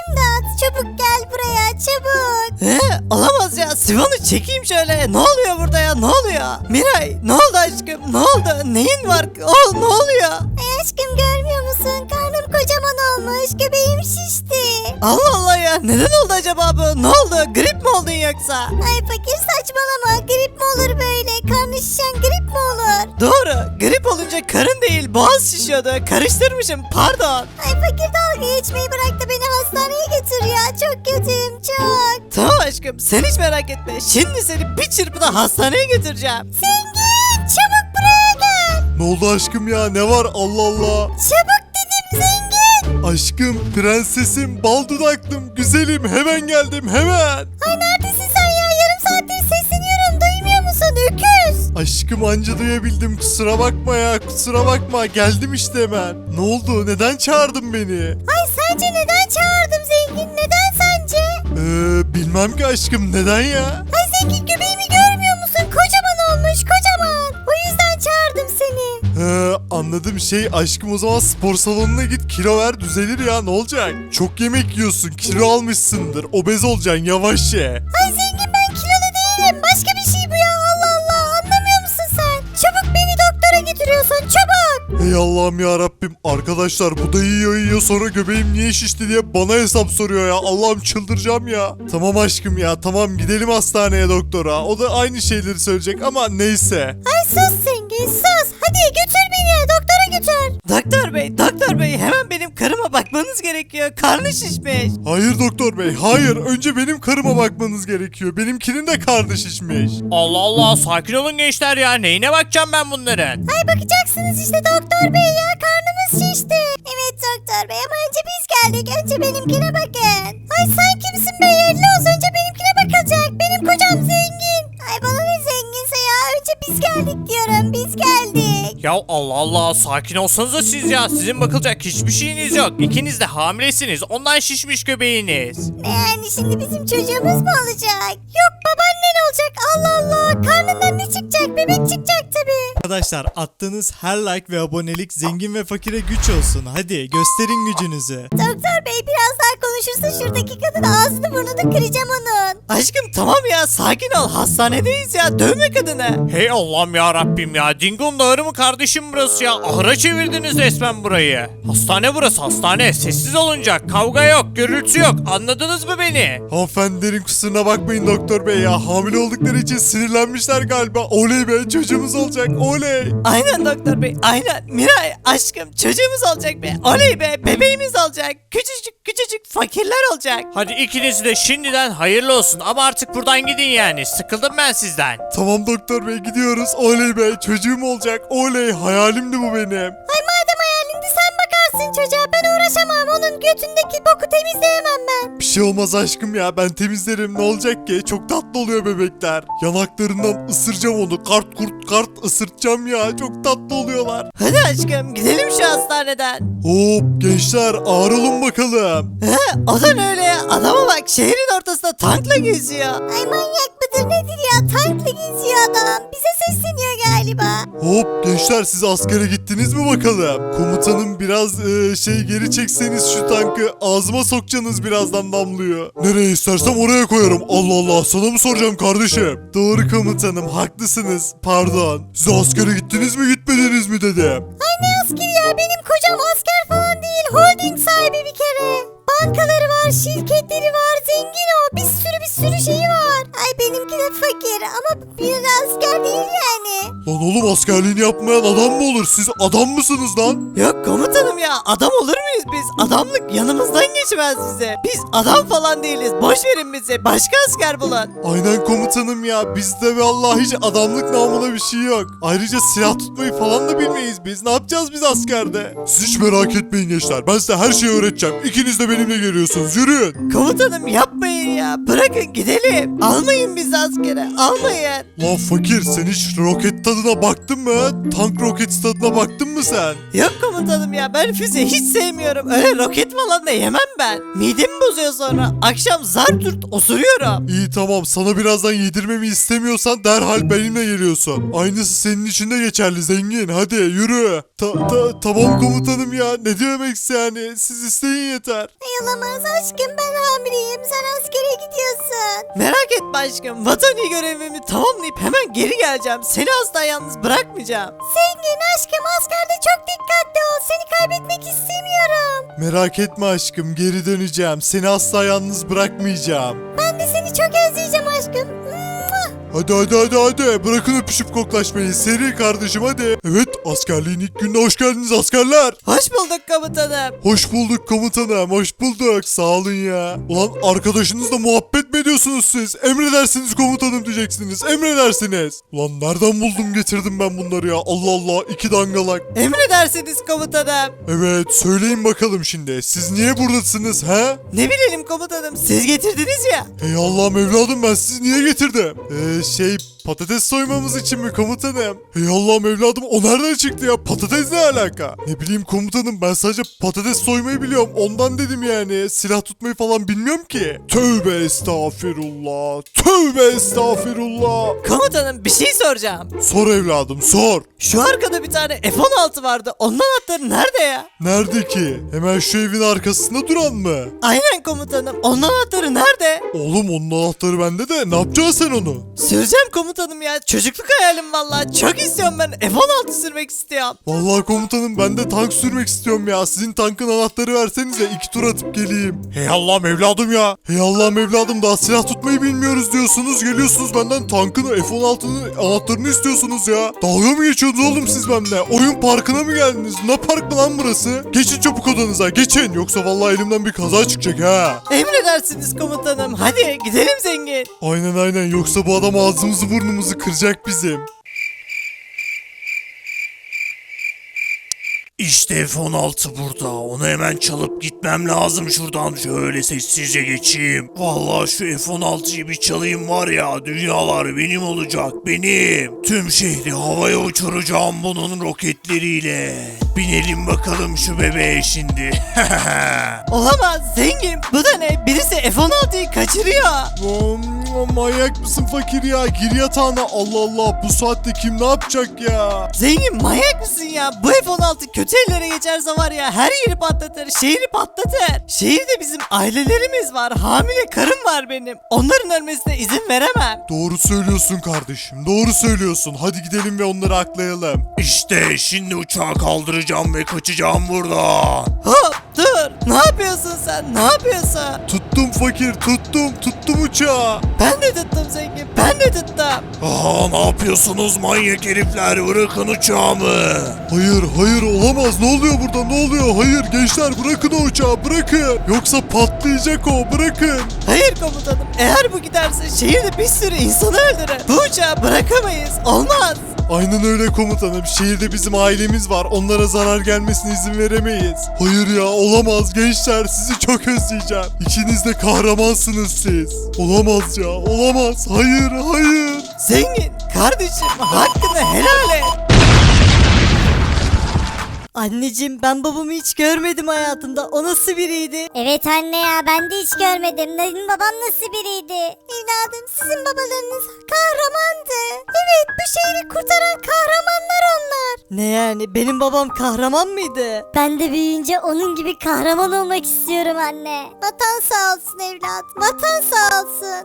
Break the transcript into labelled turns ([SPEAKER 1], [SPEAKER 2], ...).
[SPEAKER 1] İmdat çabuk gel buraya çabuk.
[SPEAKER 2] Olamaz ya, Sivon'u çekeyim şöyle. Ne oluyor burada ya, ne oluyor? Miray, ne oldu aşkım, ne oldu, neyin var? Ne oluyor?
[SPEAKER 1] Ay aşkım görmüyor musun? Karnım kocaman olmuş, göbeğim şişti.
[SPEAKER 2] Allah Allah ya, neden oldu acaba bu? Ne oldu, grip mi oldun yoksa?
[SPEAKER 1] Ay fakir saçmalama, grip mi olur böyle? Karnı şişen grip mi olur?
[SPEAKER 2] Doğru, grip olunca karın değil boğaz şişiyordu. Karıştırmışım, pardon.
[SPEAKER 1] Ay fakir dalga geçmeyi bırak da beni hastaneye götür ya. Çok kötüyüm çok.
[SPEAKER 2] Tamam aşkım, sen hiç merak etme. Şimdi seni bir çırpıda hastaneye götüreceğim.
[SPEAKER 1] Zengin çabuk buraya gel.
[SPEAKER 3] Ne oldu aşkım ya, ne var, Allah Allah.
[SPEAKER 1] Çabuk dedim zengin.
[SPEAKER 3] Aşkım, prensesim, bal dudaklım, güzelim, hemen geldim, hemen.
[SPEAKER 1] Ay neredesin sen ya? Yarım saattir sesleniyorum. Duymuyor musun öküz?
[SPEAKER 3] Aşkım anca duyabildim, kusura bakma ya, kusura bakma, geldim işte hemen. Ne oldu, neden çağırdın beni?
[SPEAKER 1] Ay sence neden çağırdım zengin? Neden sence?
[SPEAKER 3] Bilmem ki aşkım, neden ya?
[SPEAKER 1] Ay zengin göbeğimi görmüyor musun? Kocaman olmuş kocaman. O yüzden çağırdım seni.
[SPEAKER 3] Anladım, aşkım, o zaman spor salonuna git, kilo ver, düzelir ya, ne olacak? Çok yemek yiyorsun, kilo almışsındır, obez olacaksın, yavaş ye.
[SPEAKER 1] Ay zengin ben kilolu değilim. Başka bir şey bu ya. Allah Allah. Anlamıyor musun sen? Çabuk beni doktora götürüyorsun. Çabuk.
[SPEAKER 3] Ey Allah'ım ya Rabbim, arkadaşlar bu da yiyor sonra göbeğim niye şişti diye bana hesap soruyor ya, Allah'ım çıldıracağım ya. Tamam aşkım ya, tamam, gidelim hastaneye doktora, o da aynı şeyleri söyleyecek ama neyse.
[SPEAKER 1] Ay sus zengin sus. Hadi götür beni. Doktora götür.
[SPEAKER 2] Doktor bey, hemen benim karıma bakmanız gerekiyor. Karnı şişmiş.
[SPEAKER 3] Hayır doktor bey, hayır, önce benim karıma bakmanız gerekiyor, benimkinin de karnı şişmiş.
[SPEAKER 4] Allah Allah, sakin olun gençler ya. Neyine bakacağım ben bunların?
[SPEAKER 1] Ay bakacaksınız işte doktor bey ya. Karnımız şişti. Evet doktor bey ama önce biz geldik. Önce benimkine bakın. Ay sen kimsin be? Yelloz önce benimkine bakılacak. Benim kocam zengin. Ay bana ne zenginse ya. Önce biz geldik diyorum. Biz geldik.
[SPEAKER 4] Ya Allah Allah, sakin olsanıza siz ya. Sizin bakılacak hiçbir şeyiniz yok. İkiniz de hamilesiniz. Ondan şişmiş göbeğiniz.
[SPEAKER 1] Ne yani şimdi bizim çocuğumuz mu olacak? Yok babaannen olacak. Allah Allah. Karnından ne çıkacak? Bebek çıkacak tabii.
[SPEAKER 5] Arkadaşlar attığınız her like ve abonelik zengin ve fakire güç olsun. Hadi gösterin gücünüzü.
[SPEAKER 1] Doktor bey biraz daha konuşursa şuradaki kadın ağzını burnunu kıracağım onun.
[SPEAKER 2] Aşkım tamam ya, sakin ol, hastanedeyiz ya, dövme kadını.
[SPEAKER 4] Hey Allah'ım ya Rabbim ya. Dingo'nun ahırı mı kardeşim burası ya? Ahıra çevirdiniz resmen burayı. Hastane burası, hastane. Sessiz olunacak. Kavga yok, gürültü yok. Anladınız mı beni?
[SPEAKER 3] Hanımefendilerin kusuruna bakmayın doktor bey ya, hamile oldukları için sinirlenmişler galiba. Oley be, çocuğumuz olacak, oley.
[SPEAKER 2] Aynen doktor bey, aynen. Miray aşkım, çocuğumuz olacak be. Oley be, bebeğimiz olacak. Küçücük fakirler olacak.
[SPEAKER 4] Hadi ikiniz de şimdiden hayırlı olsun. Ama artık buradan gidin yani. Sıkıldım ben sizden.
[SPEAKER 3] Tamam doktor bey, gidiyoruz, oley be, çocuğum olacak, oley, hayalimdi bu benim.
[SPEAKER 1] Ay madem hayalindi sen bakarsın çocuğa ben uğraşamam. Onun götündeki boku temizleyemem ben.
[SPEAKER 3] Bir şey olmaz aşkım ya, ben temizlerim, ne olacak ki, çok tatlı oluyor bebekler. Yanaklarından ısıracağım onu, kart kurt kart ısırtacağım ya, çok tatlı oluyorlar.
[SPEAKER 2] Hadi aşkım, gidelim şu hastaneden.
[SPEAKER 3] Hop gençler, ağır olun bakalım.
[SPEAKER 2] O da ne öyle ya? Adama bak, şehrin ortasında tankla geziyor.
[SPEAKER 1] Ay manyak mıdır nedir ya tankla geziyor adam. Bize sesleniyor galiba.
[SPEAKER 3] Hop gençler, siz askere gittiniz mi bakalım? Komutanım biraz geri çekseniz şu tankı, ağzıma sokacaksınız, birazdan damlıyor. Nereye istersem oraya koyarım. Allah Allah, sana mı soracağım kardeşim? Doğru komutanım, haklısınız, pardon. Siz askere gittiniz mi gitmediniz mi dedim.
[SPEAKER 1] Ay ne askeri ya benim kocam asker falan değil. Holding sahibi bir kere. Bankaları var, şirketleri var, zengin o. Bir sürü şeyi var. Ay benimki de fakir ama bir asker değil yani.
[SPEAKER 3] Lan oğlum, askerliğini yapmayan adam mı olur? Siz adam mısınız lan?
[SPEAKER 2] Yok komutanım ya, adam olur muyuz biz? Adamlık yanımızdan geçmez bize. Biz adam falan değiliz, boş verin bizi. Başka asker bulun.
[SPEAKER 3] Aynen komutanım ya, bizde vallahi hiç adamlık namına bir şey yok. Ayrıca silah tutmayı falan da bilmeyiz biz. Ne yapacağız biz askerde? Siz hiç merak etmeyin gençler, ben size her şeyi öğreteceğim. İkiniz de benimle geliyorsunuz, yürüyün.
[SPEAKER 2] Komutanım yapmayın ya, bırakın gidelim. Almayın bizi askere almayın.
[SPEAKER 3] Lan fakir sen hiç roket tadına baktın mı? Tank roket tadına baktın mı sen?
[SPEAKER 2] Yok komutanım ya, ben füze hiç sevmiyorum. Öyle roket falan da yemem ben. Midemi bozuyor sonra. Akşam zar turt osuruyorum.
[SPEAKER 3] İyi tamam, sana birazdan yedirmemi istemiyorsan derhal benimle geliyorsun. Aynısı senin için de geçerli zengin, hadi yürü. Tamam komutanım ya, ne demek yani, siz isteyin yeter.
[SPEAKER 1] Ay olamaz aşkım, ben hamileyim, sen askere gidiyorsun.
[SPEAKER 2] Merak etme aşkım, vatani görevimi tamamlayıp hemen geri geleceğim. Seni asla yalnız bırakmayacağım.
[SPEAKER 1] Zengin aşkım, askerde çok dikkatli ol, seni kaybetmek istemiyorum.
[SPEAKER 3] Merak etme aşkım, geri döneceğim. Seni asla yalnız bırakmayacağım.
[SPEAKER 1] Ben de seni çok özleyeceğim aşkım.
[SPEAKER 3] Hadi bırakın öpüşüp koklaşmayı, seri kardeşim hadi. Evet, askerliğin ilk gününe hoş geldiniz askerler.
[SPEAKER 2] Hoş bulduk komutanım.
[SPEAKER 3] Hoş bulduk komutanım, hoş bulduk, sağ olun ya. Ulan arkadaşınızla muhabbet mi ediyorsunuz siz? Emredersiniz komutanım diyeceksiniz, emredersiniz. Ulan nereden buldum getirdim ben bunları ya, Allah Allah, iki dangalak.
[SPEAKER 2] Emredersiniz komutanım.
[SPEAKER 3] Evet, söyleyin bakalım şimdi, siz niye buradasınız he?
[SPEAKER 2] Ne bilelim komutanım, siz getirdiniz ya.
[SPEAKER 3] Hey Allah'ım evladım, ben sizi niye getirdim? Patates soymamız için mi komutanım? Hey Allah'ım evladım, o nereden çıktı ya? Patates ne alaka? Ne bileyim komutanım, ben sadece patates soymayı biliyorum. Ondan dedim yani. Silah tutmayı falan bilmiyorum ki. Tövbe estağfirullah. Tövbe estağfirullah.
[SPEAKER 2] Komutanım bir şey soracağım.
[SPEAKER 3] Sor evladım sor.
[SPEAKER 2] Şu arkada bir tane F-16 vardı. Onun anahtarı nerede ya?
[SPEAKER 3] Nerede ki? Hemen şu evin arkasında duran mı?
[SPEAKER 2] Aynen komutanım. Onun anahtarı nerede?
[SPEAKER 3] Oğlum onun anahtarı bende de. Ne yapacaksın sen onu?
[SPEAKER 2] Süreceğim komutanım ya. Çocukluk hayalim vallahi. Çok istiyorum ben. F-16 sürmek istiyorum.
[SPEAKER 3] Vallahi komutanım, ben de tank sürmek istiyorum ya. Sizin tankın anahtarı versenize, 2 tur atıp geleyim. Hey Allah'ım evladım ya. Hey Allah'ım evladım, daha silah tutmayı bilmiyoruz diyorsunuz. Geliyorsunuz benden tankın F-16'nın anahtarını istiyorsunuz ya. Dalga mı geçiyorsunuz oğlum siz benimle? Oyun parkına mı geldiniz? Ne park mı lan burası? Geçin çabuk odanıza, geçin. Yoksa vallahi elimden bir kaza çıkacak ha.
[SPEAKER 2] Emredersiniz komutanım. Hadi gidelim zengin.
[SPEAKER 3] Aynen, yoksa bu adam ağzımızı burnumuzu kıracak bizim.
[SPEAKER 4] İşte F-16 burada. Onu hemen çalıp gitmem lazım şuradan. Şöyle sessizce geçeyim. Vallahi şu F-16'yı bir çalayım var ya, dünyalar benim olacak, benim. Tüm şehri havaya uçuracağım bunun roketleriyle. Binelim bakalım şu bebeğe şimdi.
[SPEAKER 2] Olamaz zengin. Bu da ne? Birisi F-16'yı kaçırıyor.
[SPEAKER 3] Manyak mısın fakir ya? Gir yatağına. Allah Allah, bu saatte kim ne yapacak ya?
[SPEAKER 2] Zengin manyak mısın ya? Bu F-16 kötü ellere geçerse var ya, her yeri patlatır, şehri patlatır. Şehirde bizim ailelerimiz var, hamile karım var benim. Onların ölmesine izin veremem.
[SPEAKER 3] Doğru söylüyorsun kardeşim, doğru söylüyorsun. Hadi gidelim ve onları aklayalım.
[SPEAKER 4] İşte şimdi uçağı kaldıracağım ve kaçacağım buradan.
[SPEAKER 2] Hop dur, ne yapıyorsun sen, ne yapıyorsun?
[SPEAKER 3] Tuttum fakir, tuttum uçağı.
[SPEAKER 2] Ben de tuttum zengin, ben de tuttum.
[SPEAKER 4] Aha, ne yapıyorsunuz manyak herifler, bırakın uçağımı.
[SPEAKER 3] Hayır olamaz, ne oluyor burada, ne oluyor? Hayır gençler, bırakın o uçağı, bırakın. Yoksa patlayacak o, bırakın.
[SPEAKER 2] Hayır komutanım, eğer bu giderse şehirde bir sürü insanı öldürür. Bu uçağı bırakamayız, olmaz.
[SPEAKER 3] Aynen öyle komutanım, şehirde bizim ailemiz var, onlara zarar gelmesine izin veremeyiz. Hayır ya, olamaz gençler, sizi çok özleyeceğim. İkiniz de kahramansınız siz. Olamaz ya, olamaz, hayır.
[SPEAKER 2] Zengin, kardeşim hakkını helal et. Anneciğim, ben babamı hiç görmedim hayatımda. O nasıl biriydi?
[SPEAKER 1] Evet anne ya, ben de hiç görmedim. Senin baban nasıl biriydi? Evladım, sizin babalarınız kahramandı. Evet, bu şehri kurtaran kahramanlar onlar.
[SPEAKER 2] Ne yani, benim babam kahraman mıydı?
[SPEAKER 1] Ben de büyüyünce onun gibi kahraman olmak istiyorum anne. Vatan sağ olsun evlat, vatan sağ olsun.